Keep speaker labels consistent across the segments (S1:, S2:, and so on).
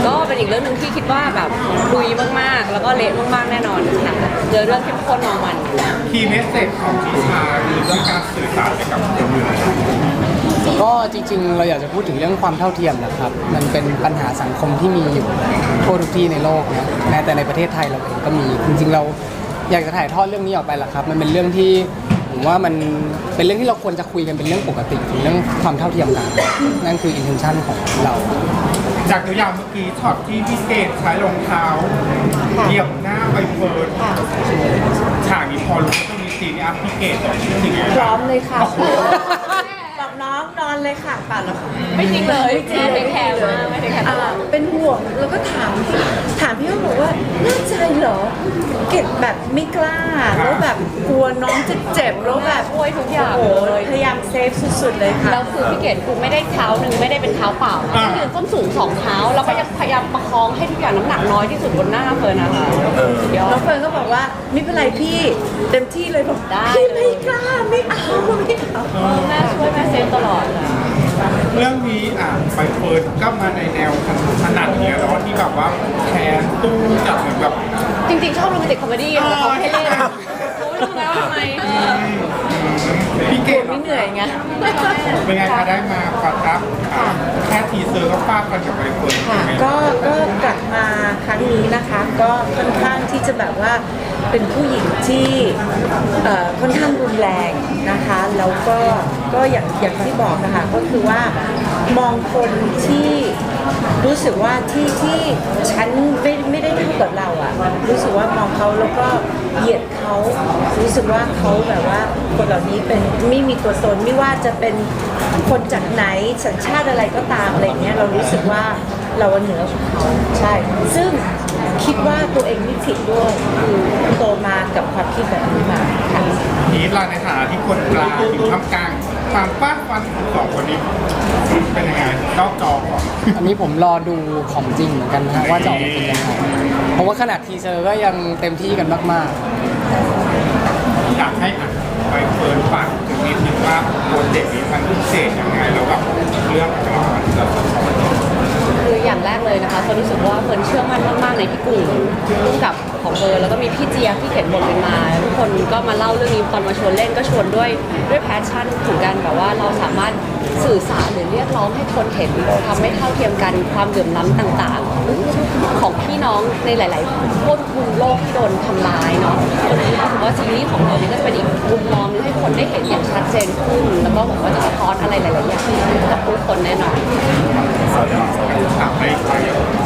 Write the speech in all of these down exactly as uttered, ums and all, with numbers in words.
S1: ก็เป็นอีกเรื่องหนึ่งที่คิดว่าแบบลุยมากๆแล้วก็เละมากๆแน่นอนค่ะเจอเรื่องเข้มข้นมองมัน
S2: คีย์เมสเซจของทิชาคือเรื่องการสื่อสารกับคนอื่น
S3: ก็จริงๆเราอยากจะพูดถึงเรื่องความเท่าเทียมนะครับมันเป็นปัญหาสังคมที่มีอยู่ทั่วทุกที่ในโลกนะแม้แต่ในประเทศไทยเราเองก็มีจริงๆเราอยากจะถ่ายทอดเรื่องนี้ออกไปแหละครับมันเป็นเรื่องที่ผมว่ามันเป็นเรื่องที่เราควรจะคุยกันเป็นเรื่องปกติถึงเรื่องความเท่าเทียมกันนั่นคือ intention ของเรา
S2: จากตัวอย่างเมื่อกี้ช็อตที่พี่เกดใช้รองเท้าเหยียบหน้าใบเฟิร์นฉากนี้พอรู้ว่าต้องมีซีนนี้พี่เกดสิ่งนี้
S4: พร้อมเลยค่ะบอกน้องนอนเลยค่ะป่ะแล้ว
S1: ไม่จริงเลยแม่ไม่แคร์มากไม่ได้แคร์
S4: เป็นห่วงแล้วก็ถามถามพี่ว่าบอกว่าแน่ใจเหรอเก็บแบบไม่กล้าแล้วแบบกลัวน้องจะเจ็บแล้วแบบ
S1: ช่วยทุกอย่าง
S4: เลยพยายามเซฟสุดๆเลยค่ะ
S1: แล้วคือพี่เกดคือไม่ได้เท้าหนึ่งไม่ได้เป็นเท้าเปล่านะยืนส้นสูงสองเท้าแล้วก็ยังพยายามประคองให้ทุกอย่างน้ำหนักน้อยที่สุดบนหน้าเฟิร์นนะคะ
S4: น้องเฟิร์นก็บอกว่าไม่เป็นไรพี่เต็มที่เลยบอก
S1: ได้
S4: พี่ไม่กล้าไม่เอาไม่เอา
S1: แม่ช่วยแม่เซฟตลอด
S2: เรื่องนี้อ่ะใบเฟิร์นก็มาในแนวขนาดนี้แล้วที่แบบว่าแคนตู้จับเหมือนแบบ
S1: จริงๆชอบโรแมนติกคอมเมดี้แต่เขาให้เล่นเขาไม่รู้แล้วทำไม
S2: พี่เกด
S4: ไม่เหนื่อยไง
S2: เป็นไงคะได้มาประทับแค่ทีเซอร์ก็ฟาดกันกับใบเฟิร์น
S4: ค่ะก็ก็กลับมาครั้งนี้นะคะก็ค่อนข้างที่จะแบบว่าเป็นผู้หญิงที่ค่อนข้างรุนแรงนะคะแล้วก็ก็อย่างอย่างที่บอกนะคะก็คือว่ามองคนที่รู้สึกว่าที่ที่ฉันไม่ไม่ได้เท่ากับเราอ่ะรู้สึกว่ามองเขาแล้วก็เหยียดเขารู้สึกว่าเขาแบบว่าคนเหล่านี้เป็นไม่มีตัวตนไม่ว่าจะเป็นคนจากไหนสัญชาติอะไรก็ตามอะไรเงี้ยเรารู้สึกว่าเราเหนือกว่าเขาใช่ซึ่งคิดว่าตัวเองไม่ผิดด้วยคือโตมากับความคิดแบบนี้มาค่ะ
S2: ทีเราในฐานะที่คนกลางอยู่ท่ามกลางความฟาดฟันของสองคนนี้เป็นยังไงนอกจอก่อน
S3: อันนี้ผมรอดูของจริงเหมือนกันนะว่าจะออกมาเป็นยังไงเพราะว่าขนาดทีเซอร์ก็ยังเต็มที่กันมาก
S2: ๆอยากให้ใบเฟิร์นฝากถึงนิดนึงว่าโปรเจกต์นี้มันพิเศษยังไงแล้วแบบเรื่องของมันจะ
S1: คืออย่างแรกเลยนะคะเฟิร์นรู้สึกว่าเฟิร์นเชื่อมั่นมากๆในพี่กุ้งร่วมกับของเฟิร์นแล้วก็มีพี่เจี๊ยบที่เขียนบทเป็นมาทุกคนก็มาเล่าเรื่องนี้ตอนมาชวนเล่นก็ชวนด้วยด้วยแพชชั่นถึงกันแบบว่าเราสามารถสื่อสารหรือเรียกร้องให้คนเห็นความไม่เท่าเทียมกันความเหลื่อมล้ำต่างๆของพี่น้องในหลายๆทั่วทุกมุมโลกที่โดนทำร้ายเนาะวันนี้ถือว่าซีรีส์ของเรานี่ก็เป็นอีกมุมมองให้คนได้เห็นอย่างชัดเจนขึ้นแล้วก็บอกว่าจะสะท้อนอะไรหลายๆอย่างกับผู้คนแน่นอน
S2: ถามให้ใคร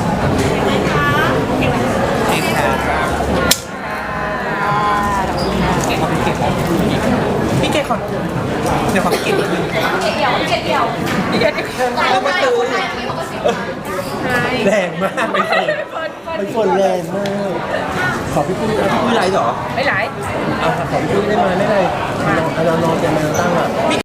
S5: พี่เกดขอเดี๋ยวขอพี่เกดนิดนึง
S1: พี่เกดเดี่ยวพี่เกดเดี่ยวพี่เกด
S5: แล้วมาตูนแรงมากไปฝนไปฝนแรงมากขอพี่ปุ้ยพี่ปุ้ยไลฟ์เหรอ
S1: ไม่ไลฟ์
S5: อ่ะขอพี่ปุ้ยได้ไหมไม่ไลฟ์เรานอนกันมาตั้งอ่ะ